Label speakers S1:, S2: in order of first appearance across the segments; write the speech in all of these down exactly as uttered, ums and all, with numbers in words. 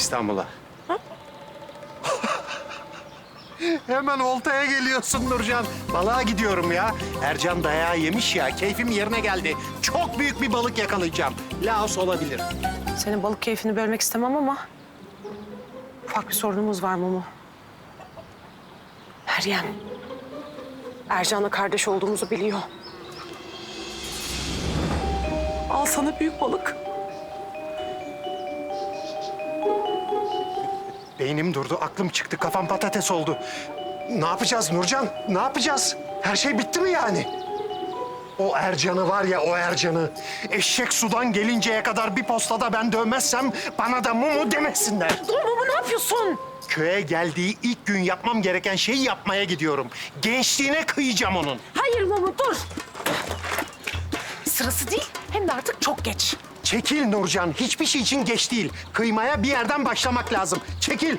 S1: İstanbul'a. Hemen oltaya geliyorsun Nurcan. Balığa gidiyorum ya. Ercan dayağı yemiş ya. Keyfim yerine geldi. Çok büyük bir balık yakalayacağım. Laos olabilir.
S2: Senin balık keyfini bölmek istemem ama... ufak bir sorunumuz var Mumu. Meryem. Ercan'la kardeş olduğumuzu biliyor. Al sana büyük balık.
S1: Beynim durdu, aklım çıktı, kafam patates oldu. Ne yapacağız Nurcan? Ne yapacağız? Her şey bitti mi yani? O Ercan'ı var ya, o Ercan'ı. Eşek sudan gelinceye kadar bir postada ben dövmezsem bana da Mumu demesinler.
S2: Dur Mumu, ne yapıyorsun?
S1: Köye geldiği ilk gün yapmam gereken şeyi yapmaya gidiyorum. Gençliğine kıyacağım onun.
S2: Hayır Mumu, dur. Sırası değil, hem de artık çok geç.
S1: Çekil Nurcan, hiçbir şey için geç değil. Kıymaya bir yerden başlamak lazım. Çekil.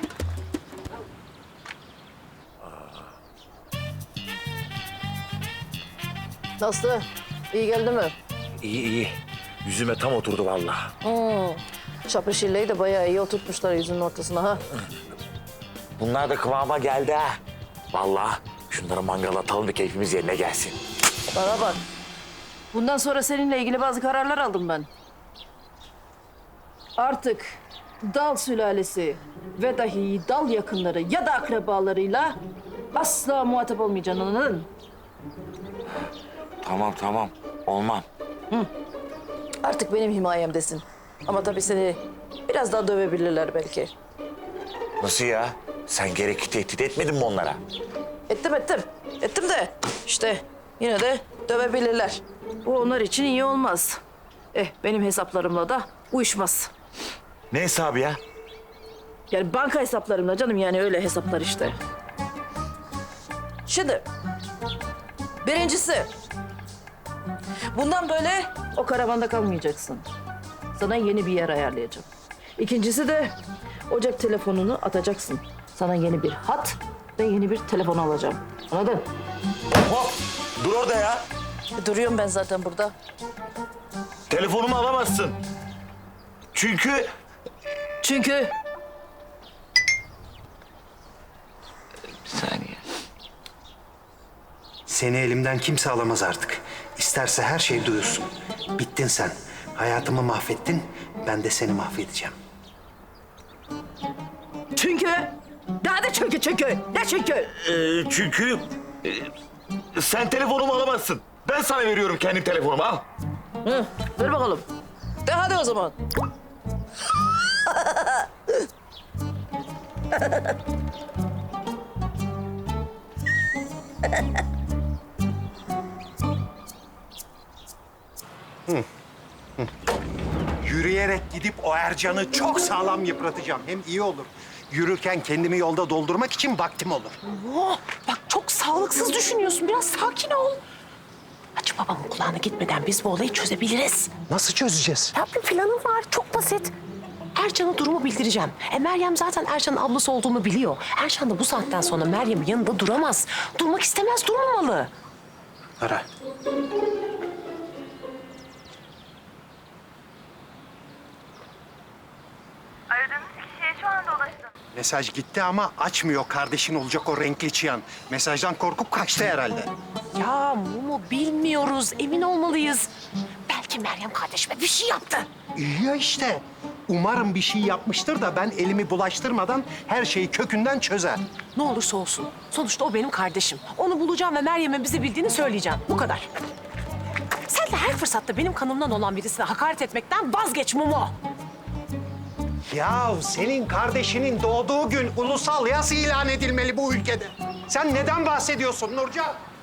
S3: Nasıl? İyi geldi mi?
S4: İyi iyi. Yüzüme tam oturdu vallahi.
S3: Hmm. Şapışilleyi de bayağı iyi oturtmuşlar yüzünün ortasına ha.
S4: Bunlar da kıvama geldi ha. Vallahi şunları mangala atalım da keyfimiz yerine gelsin.
S3: Bana bak. Bundan sonra seninle ilgili bazı kararlar aldım ben. Artık dal sülalesi ve dahi dal yakınları ya da akrabalarıyla asla muhatap olmayacaksın, anladın mı?
S4: Tamam tamam. Olmam.
S3: Artık benim himayemdesin. Ama tabii seni biraz daha dövebilirler belki.
S4: Nasıl ya? Sen gerekli tehdit etmedin mi onlara?
S3: Ettim ettim. Ettim de işte yine de dövebilirler. Bu onlar için iyi olmaz. Eh benim hesaplarımla da uyuşmaz.
S4: Ne hesabı ya?
S3: Yani banka hesaplarımla canım, yani öyle hesaplar işte. Şimdi birincisi, bundan böyle o karavanda kalmayacaksın. Sana yeni bir yer ayarlayacağım. İkincisi de ocak telefonunu atacaksın. Sana yeni bir hat ve yeni bir telefon alacağım. Anladın?
S4: Hop! Dur orada ya.
S3: E, Duruyorum ben zaten burada.
S4: Telefonumu alamazsın. Çünkü...
S3: Çünkü
S4: Bir saniye.
S1: Seni elimden kimse alamaz artık. İsterse her şey duyulsun. Bittin sen. Hayatımı mahvettin, ben de seni mahvedeceğim.
S3: Çünkü daha da çünkü çünkü ne çünkü?
S4: Ee, çünkü... e, sen telefonumu alamazsın. Ben sana veriyorum kendi telefonumu, al.
S3: Hı, ver bakalım. De hadi o zaman.
S1: Yürüyerek gidip o Ercan'ı çok sağlam yıpratacağım. Hem iyi olur. Yürürken kendimi yolda doldurmak için vaktim olur.
S2: Oh, bak çok sağlıksız düşünüyorsun. Biraz sakin ol. Hacı babamın kulağına gitmeden biz bu olayı çözebiliriz.
S1: Nasıl çözeceğiz?
S2: Ya bir planım var, çok basit. Ercan'a durumu bildireceğim. E Meryem zaten Ercan'ın ablası olduğumu biliyor. Ercan da bu saatten sonra Meryem'in yanında duramaz. Durmak istemez, durmamalı.
S1: Ara.
S5: Aradığınız kişiye şu anda ulaştım.
S1: Mesaj gitti ama açmıyor kardeşin olacak o renkli çıyan. Mesajdan korkup kaçtı herhalde.
S2: Ya Mumu bilmiyoruz, emin olmalıyız. Belki Meryem kardeşime bir şey yaptı.
S1: İyi ya işte. Umarım bir şey yapmıştır da ben elimi bulaştırmadan her şeyi kökünden çözer.
S2: Ne olursa olsun. Sonuçta o benim kardeşim. Onu bulacağım ve Meryem'in bizi bildiğini söyleyeceğim. Bu kadar. Sen de her fırsatta benim kanımdan olan birisine hakaret etmekten vazgeç Mumu.
S1: Ya senin kardeşinin doğduğu gün ulusal yas ilan edilmeli bu ülkede. Sen neden bahsediyorsun Nurcan?